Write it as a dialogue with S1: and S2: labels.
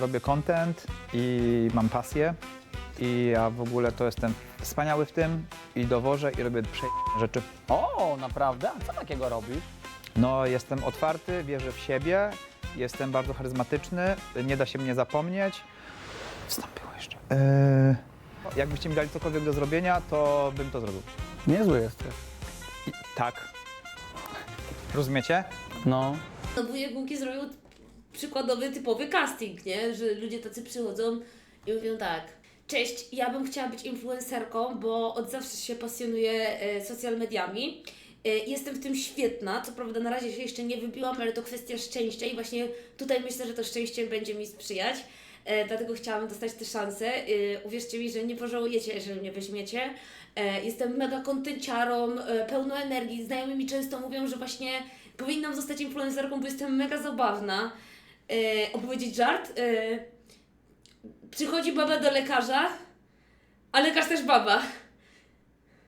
S1: robię content i mam pasję i ja w ogóle to jestem wspaniały w tym i dowożę i robię rzeczy.
S2: O, naprawdę? A co takiego robisz?
S1: No, jestem otwarty, wierzę w siebie, jestem bardzo charyzmatyczny, nie da się mnie zapomnieć. Wstąpiło jeszcze. Jakbyście mi dali cokolwiek do zrobienia, to bym to zrobił.
S2: Niezły jesteś.
S1: Tak. Rozumiecie?
S2: No.
S3: No wujek Łuki zrobił przykładowy, typowy casting, nie? Że ludzie tacy przychodzą i mówią tak: cześć, ja bym chciała być influencerką, bo od zawsze się pasjonuję social mediami. Jestem w tym świetna, co prawda na razie się jeszcze nie wybiłam, ale to kwestia szczęścia i właśnie tutaj myślę, że to szczęście będzie mi sprzyjać. Dlatego chciałam dostać tę szansę. Uwierzcie mi, że nie pożałujecie, jeżeli mnie weźmiecie. Jestem mega kontenciarą, pełną energii. Znajomi mi często mówią, że właśnie powinnam zostać influencerką, bo jestem mega zabawna. Opowiedzieć żart? Przychodzi baba do lekarza, a lekarz też baba.